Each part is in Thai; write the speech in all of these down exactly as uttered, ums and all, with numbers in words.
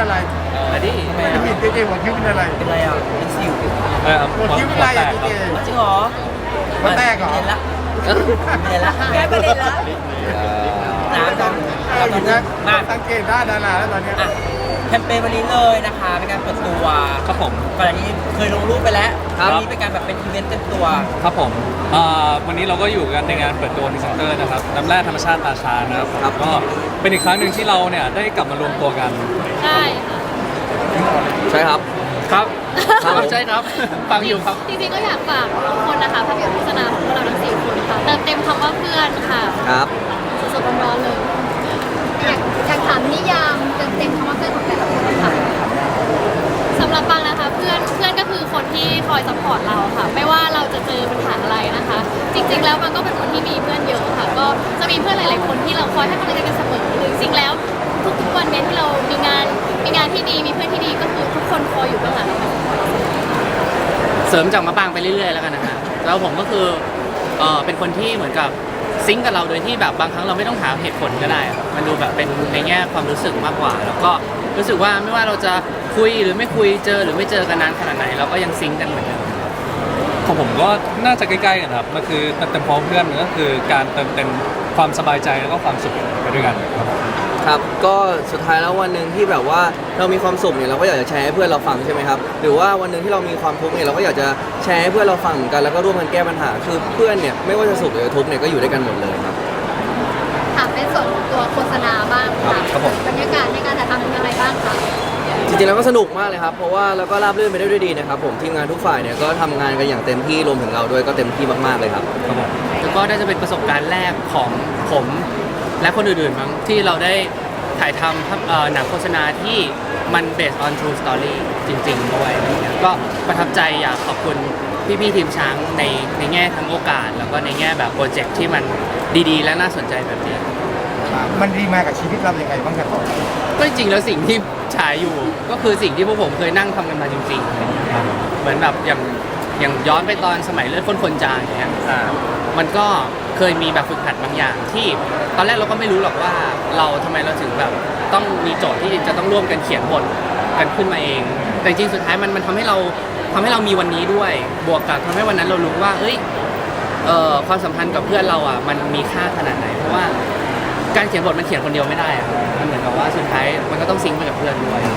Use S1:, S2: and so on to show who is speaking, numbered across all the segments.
S1: อะไร
S2: อันนี้ทำไม
S1: ไม่
S2: อ่ะ
S1: เห็นเจเจหัวคิ้วเป็นอะไร
S2: เป็นไรอ่ะเป็นสิว
S3: เออ
S1: หัวคิ้วเป็นอะไรอ่ะเจเจ
S2: จริงเหรอ
S1: หัวแตกเหรอ
S2: เห็นละเห็นละแค่ประเด็นละน้ำต้อง
S1: เราอยู่นะ
S2: มา
S1: สังเกตได้ดาราแล้วตอนเนี้ย
S2: อ่ะแคมเปญวันนี้เลยนะคะเป็นการเปิดตัว
S3: ครับผม
S2: ก่อนอันนี้เคยลงรูปไปแล้ว
S3: ครับ
S2: วันนี้เป็นการแบบเป็นอีเวนต์เต็มตัว
S3: ครับผมอ่าวันนี้เราก็อยู่กันในงานเปิดตัวพรีเซนเตอร์นะครับน้ำแร่ธรรมชาติตาชานะครับครับก็เป็นอีกครั้งหนึ่งที่เราเนี่ยได้กลับมารวมตัวกัน
S4: ใช่ค่ะ
S3: ใช่ครับครับครับใช่ครับฟังอยู่ครับ
S4: จริงๆก็อยากฝากทุกคนนะคะภาพยนตร์โฆษณาของพวกเราทั้งสี่คนค่ะเติมเต็มคำว่าเพื่อนค่ะ
S3: ครับ
S4: สดๆร้อนๆเลย
S5: อยากอยากถามนิยามเต็มเต็มคำว่าเพื่อนของแต่ละคนค่ะ
S4: สำหรับปังนะคะเพื่อนเพื่อนก็คือคนที่คอยซัพพอร์ตเราค่ะ ไม่ว่าเราจะเจอปัญหาอะไรนะคะ จริง ๆ แล้วมันก็เป็นคนที่มีเพื่อนเยอะค่ะ ก็จะมีเพื่อนหลาย ๆ คนที่เราคอยให้กำลังใจกันเสมอหรือจริงๆแล้วทุกๆวันเนี้ยที่เรามีงานมีงานที่ดีมีเพื่อนที่ดีก็คือทุกคนคอยอยู่เบื้องหลังเรา
S6: เสริมจากมะปางไปเรื่อยๆแล้วกันนะฮะแล้วผมก็คือเออเป็นคนที่เหมือนกับซิงก์กับเราโดยที่แบบบางครั้งเราไม่ต้องหาเหตุผลก็ได้อะมันดูแบบเป็นในแง่ความรู้สึกมากกว่า แล้วก็รู้สึกว่าไม่ว่าเราจะคุยหรือไม่คุยเจอหรือไม่เจอกันนานขนาดไหนเราก็ยังซิงก์กันเหมือนเดิม
S3: ของผมก็น่าจะใกล้ๆกันครับมันคือเติมเต็มพร้อมเพื่อนมันก็คือการเติมเต็มความสบายใจแล้วก็ความสุขไปด้วยกันครับผม
S7: ครับก็สุดท้ายแล้ววันหนึ่งที่แบบว่าเรามีความสุขเนี่ยเราก็อยากจะแชร์ให้เพื่อนเราฟังใช่ไหมครับหรือว่าวันหนึ่งที่เรามีความทุกข์เนี่ยเราก็อยากจะแชร์ให้เพื่อนเราฟังเหมือนกันแล้วก็ร่วมกันแก้ปัญหาคือเพื่อนเนี่ยไม่ว่าจะสุขหรือทุกข์เนี่ยก็อยู่ด้วยกันหมดเลยครับ
S5: ถามเป็นส่วนของตัวโฆษณาบ้างค่ะ
S7: ครับผม
S5: บรรยากาศในการถ่ายทำเป็นยังไงบ้างคะ
S7: จริงๆแล้วก็สนุกมากเลยครับเพราะว่าเราก็ราบรื่นไปได้ด้วยดีนะครับผมทีมงานทุกฝ่ายเนี่ยก็ทำงานกันอย่างเต็มที่รวมถึงเราด้วยก็เต็มที่มากๆเลยครับ
S3: ครับผม
S6: แล้วก็น่าจะเป็นประสบการณ์แรกของผมและคนอื่นๆมั้งที่เราได้ถ่ายทำภาพเอ่อหนังโฆษณาที่มัน based on true story จริงๆด้วยอะไรเงี้ยก็ประทับใจอยากขอบคุณพี่ๆทีมช้างในในแง่ทั้งโอกาส แล้วก็ในแง่แบบโปรเจกต์ที่มันดีๆ และน่าสนใจแบบนี้
S1: มันดีมากับชีวิตเรายังไงบ้างครับ
S6: ก็จริงๆแล้วสิ่งที่ฉายอยู่ก็คือสิ่งที่พวกผมเคยนั่งทำกันมาจริงๆอะไรเงี้ยครับเหมือนแบบอย่างอย่างย้อนไปตอนสมัยเลือดข้นคนจางอย่างเงี้ย
S3: อ่า
S6: มันก็เคยมีแบบฝึกหัดบางอย่างที่ตอนแรกเราก็ไม่รู้หรอกว่าเราทำไมเราถึงแบบต้องมีโจทย์ที่จะต้องร่วมกันเขียนบทกันขึ้นมาเอง แต่จริงๆสุดท้ายมันมันทำให้เราทำให้เรามีวันนี้ด้วย บวกกับทำให้วันนั้นเรารู้ว่าเฮ้ยเอ่อความสัมพันธ์กับเพื่อนเราอ่ะมันมีค่าขนาดไหนเพราะว่าการเขียนบทมันเขียนคนเดียวไม่ได้อะมันเหมือนกับว่าสุดท้ายมันก็ต้องซิงค์ไปกับเพื่อนด้วย
S5: อ่ะ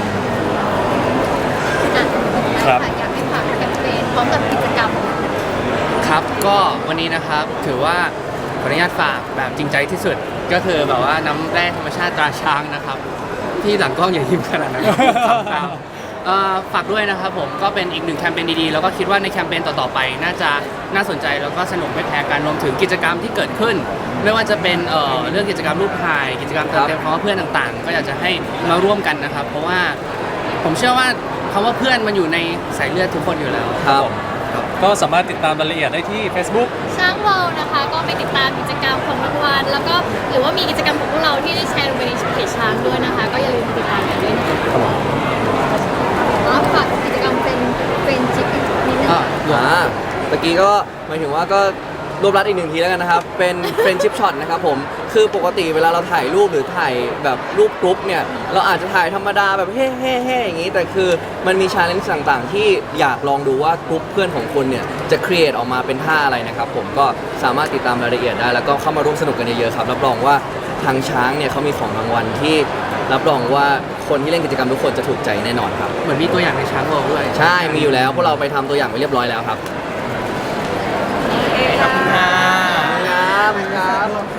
S3: ครับ
S5: อยากให้ฝากแคมเปญพร้อมกับกิจกรรม
S6: ครับก็วันนี้นะครับถือว่าขออนุญาตฝากแบบจริงใจที่สุดก็คือแบบว่าน้ำแร่ธรรมชาติตราช้างนะครับที่หลังกล้องอย่ายิ้มขนาดนั้นครับเอ่อฝากด้วยนะครับผมก็เป็นอีกหนึ่งแคมเปญดีๆแล้วก็คิดว่าในแคมเปญต่อๆไปน่าจะน่าสนใจแล้วก็สนุกไม่แพ้กันรวมถึงกิจกรรมที่เกิดขึ้น ไม่ว่าจะเป็นเอ่อเรื่องกิจกรรมรูปถ่ายกิจกรรมเติมเต็มความว่าเพื่อนต่างๆ ก็อยากจะให้มาร่วมกันนะครับ เพราะว่าผมเชื่อว่าคำว่าเพื่อนมันอยู่ในสายเลือดทุกคนอยู่แล้ว
S7: ครับ
S3: ก็สามารถติดตามรายละเอียดได้ที่ Facebook
S4: ช้างเวิลด์นะคะก็ไปติดตามกิจกรรมของรางวัลแล้วก็หรือว่ามีกิจกรรมของพวกเราที่ได้แชร์ลงไปในเพจช้างด้วยนะคะ ก็อย่าลืมติดตามกันด้วยนะคะ
S5: แล้วฝากกิจกรรมเป็นเป็นชิปนิดนึง
S7: อ่าเมื่อกี้ก็หมายถึงว่าก็รวบรัดอีกหนึ่งทีแล้วกันนะครับ เป็นเฟรนชิพช็อตนะครับผม คือปกติเวลาเราถ่ายรูปหรือถ่ายแบบรูปกรุ๊ปเนี่ย เราอาจจะถ่ายธรรมดาแบบเฮ่เฮ่เฮ่อย่างนี้ แต่คือมันมีชาเลนจ์ต่างๆ ที่อยากลองดูว่ากรุ๊ปเพื่อนของคุณเนี่ย จะครีเอทออกมาเป็นท่าอะไรนะครับผม ก็สามารถติดตามรายละเอียดได้ แล้วก็เข้ามาร่วมสนุกกันเยอะๆครับ รับรองว่าทางช้างเนี่ยเขามีของรางวัลที่รับรองว่าคนที่เล่นกิจกรรมทุกคนจะถูกใจแน่นอนครับ
S6: เหมือนมีตัวอย่างในช้างโลกด้วย
S7: ใช่ มีอยู่แล้ว พวกเราไปทำตัวอย่างไปเรียบร้อยแล้วครับ
S2: ขอบคุณค่ะ
S7: ครับครับ